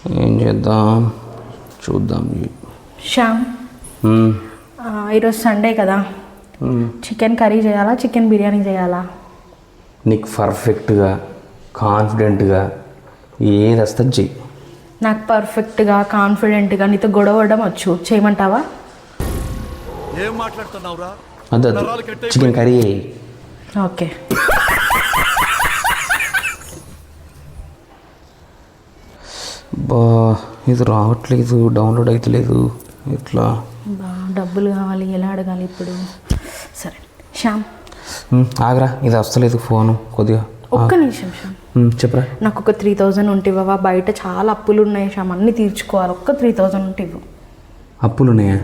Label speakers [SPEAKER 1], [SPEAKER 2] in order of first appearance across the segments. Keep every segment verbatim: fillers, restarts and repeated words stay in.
[SPEAKER 1] ఏం చేద్దాం చూద్దాం.
[SPEAKER 2] శ్యామ్, ఈరోజు సండే కదా, చికెన్ కర్రీ చేయాలా చికెన్ బిర్యానీ చేయాలా?
[SPEAKER 1] నీకు పర్ఫెక్ట్గా కాన్ఫిడెంట్గా ఏది వస్తుంది చెయ్యి.
[SPEAKER 2] నాకు పర్ఫెక్ట్గా కాన్ఫిడెంట్గా నీతో గొడవడం వచ్చు, చేయమంటావా?
[SPEAKER 3] ఏం మాట్లాడుతున్నావురా?
[SPEAKER 1] అదే చికెన్ కర్రీ.
[SPEAKER 2] ఓకే.
[SPEAKER 1] బా ఇది రావట్లేదు, డౌన్లోడ్ అవుతలేదు, ఎట్లా?
[SPEAKER 2] బా డబ్బులు కావాలి, ఎలా అడగాలి ఇప్పుడు? సరే శ్యామ్
[SPEAKER 1] ఆగరా, ఇది వస్తలేదు ఫోను కొద్దిగా.
[SPEAKER 2] ఒక్క నిమిషం శ్యామ్,
[SPEAKER 1] చెప్పరా.
[SPEAKER 2] నాకు ఒక త్రీ థౌజండ్ ఉంటే ఇవ్వవా? బయట చాలా అప్పులు ఉన్నాయి శ్యామ్, అన్నీ తీర్చుకోవాలి. ఒక్క త్రీ థౌజండ్ ఉంటే ఇవ్వు.
[SPEAKER 1] అప్పులు ఉన్నాయా?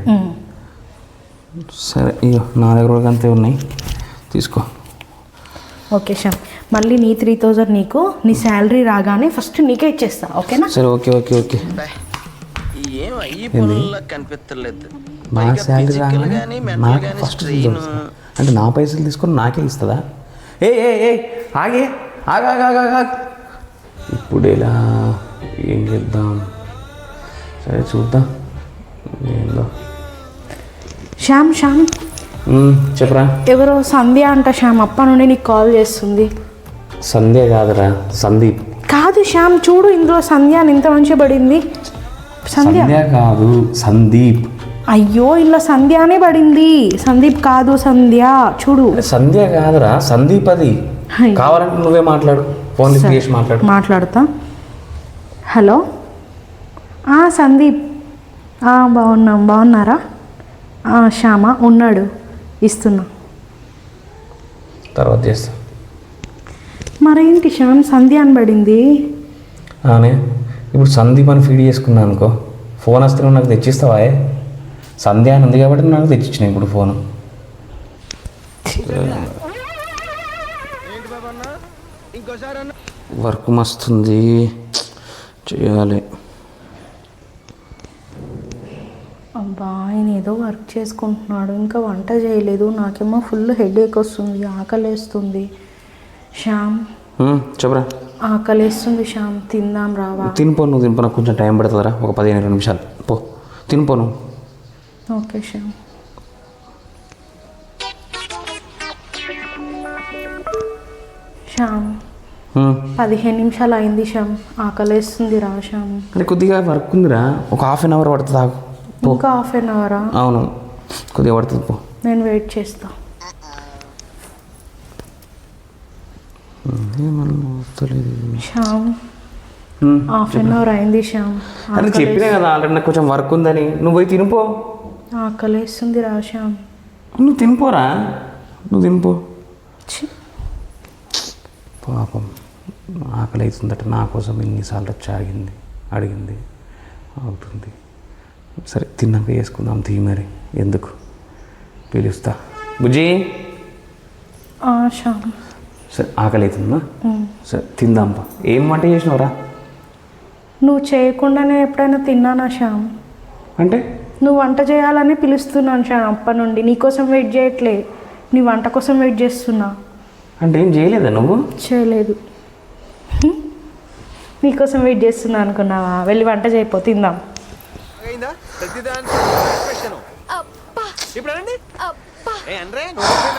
[SPEAKER 1] సరే ఇగో నా దగ్గర కూడా అంతే ఉన్నాయి, తీసుకో.
[SPEAKER 2] ఓకే శ్యామ్, మళ్ళీ నీ త్రీ థౌజండ్ నీకు నీ శాలరీ రాగానే ఫస్ట్ నీకే ఇచ్చేస్తా, ఓకేనా?
[SPEAKER 1] సరే ఓకే ఓకే ఓకే.
[SPEAKER 4] ఏం అయ్యి పనుల్లో కనిపించలేదు.
[SPEAKER 1] నా శాలరీ రాగానే నాకు ఫస్ట్ అంటే నా పైసలు తీసుకొని నాకే ఇస్తుందా? ఏ ఏ ఏ ఆగే ఆగా ఆగా. ఇప్పుడు ఎలా ఏం చేద్దాం? సరే చూద్దాం ఏందో.
[SPEAKER 2] శ్యామ్ శ్యామ్
[SPEAKER 1] చెప్పరా.
[SPEAKER 2] ఎవరో సంధ్య అంట శ్యామ్, అప్ప నుండి నీకు కాల్ చేస్తుంది.
[SPEAKER 1] సంధ్య కాదురా, సందీప్.
[SPEAKER 2] కాదు శ్యామ్, చూడు ఇందులో సంధ్య అని ఇంత మంచిగా పడింది.
[SPEAKER 1] సంధ్య కాదు, సందీప్.
[SPEAKER 2] అయ్యో ఇందులో సంధ్య అనే పడింది, సందీప్ కాదు సంధ్య. చూడు
[SPEAKER 1] సంధ్య కాదురా, సందీప్. అది కావాలంటే నువ్వే మాట్లాడు, ఫోన్ లిఫ్ట్ చేసి మాట్లాడు.
[SPEAKER 2] మాట్లాడతా. హలో సందీప్, బాగున్నాం, బాగున్నారా? శ్యామ ఉన్నాడు, ఇస్తున్నా.
[SPEAKER 1] తర్వాత చేస్తా.
[SPEAKER 2] మరేంటి శ్యామ్ సంధ్య అని పడింది?
[SPEAKER 1] అనే ఇప్పుడు సందీప్ అని ఫీడ్ చేసుకున్నాను అనుకో, ఫోన్ వస్తే నువ్వు నాకు తెచ్చిస్తావా? సంధ్య అని ఉంది కాబట్టి నాకు తెచ్చిచ్చిన ఇప్పుడు ఫోను. వర్క్ మస్తుంది, చేయాలి.
[SPEAKER 2] అబ్బా ఆయన ఏదో వర్క్ చేసుకుంటున్నాడు, ఇంకా వంట చేయలేదు. నాకేమో ఫుల్ హెడేక్ వస్తుంది, ఆకలేస్తుంది. శ్యామ్
[SPEAKER 1] చెప్పరా.
[SPEAKER 2] ఆకలేస్తుంది శ్యామ్, తిందాం రావా?
[SPEAKER 1] తినిపో, నువ్వు తినిపో, నాకు కొంచెం టైం పడుతుందిరా, ఒక పదిహేను ఇరవై నిమిషాలు. పో తినిపో నువ్వు.
[SPEAKER 2] ఓకే శ్యామ్. శ్యామ్ పదిహేను నిమిషాలు అయింది శ్యామ్, ఆకలేస్తుంది రా శ్యామ్.
[SPEAKER 1] అంటే కొద్దిగా వర్క్ ఉందిరా, ఒక హాఫ్ అన్ అవర్ పడుతుంది. ఆగు.
[SPEAKER 2] ఇంకా హాఫ్ అన్ అవరా?
[SPEAKER 1] అవును, కొద్దిగా పడుతుంది. పో,
[SPEAKER 2] నేను వెయిట్ చేస్తా. శ్యామ్ హాఫ్ అన్ అవర్ అయింది శ్యామ్.
[SPEAKER 1] అని చెప్పినా కదా ఆల్రెడీ నాకు కొంచెం వర్క్ ఉందని. నువ్వు పోయి తినిపో.
[SPEAKER 2] ఆకలేస్తుంది రా శ్యామ్.
[SPEAKER 1] నువ్వు తినిపోరా, నువ్వు తినిపో. పాపం ఆకలి అవుతుందట, నా కోసం ఎన్నిసార్లు వచ్చి ఆగింది, అడిగింది, అవుతుంది. సరే తిన్నాక వేసుకుందాం తీ, మరి ఎందుకు పిలుస్తా. బుజ్జి
[SPEAKER 2] శ్యామ్.
[SPEAKER 1] సరే ఆకలి అవుతుందా? సరే తిందాంపా. ఏం వంట చేసినవరా?
[SPEAKER 2] నువ్వు చేయకుండానే ఎప్పుడైనా తిన్నానా శ్యామ్?
[SPEAKER 1] అంటే
[SPEAKER 2] నువ్వు వంట చేయాలని పిలుస్తున్నాను శ్యామ్ అప్పటి నుండి. నీకోసం వెయిట్ చేయట్లే, నీ వంట కోసం వెయిట్ చేస్తున్నా.
[SPEAKER 1] అంటే ఏం చేయలేదా నువ్వు? చేయలేదు,
[SPEAKER 2] నీకోసం వెయిట్ చేస్తున్నా అనుకున్నావా? వెళ్ళి వంట చేయపో, తిందాం.
[SPEAKER 3] ఇప్పుడు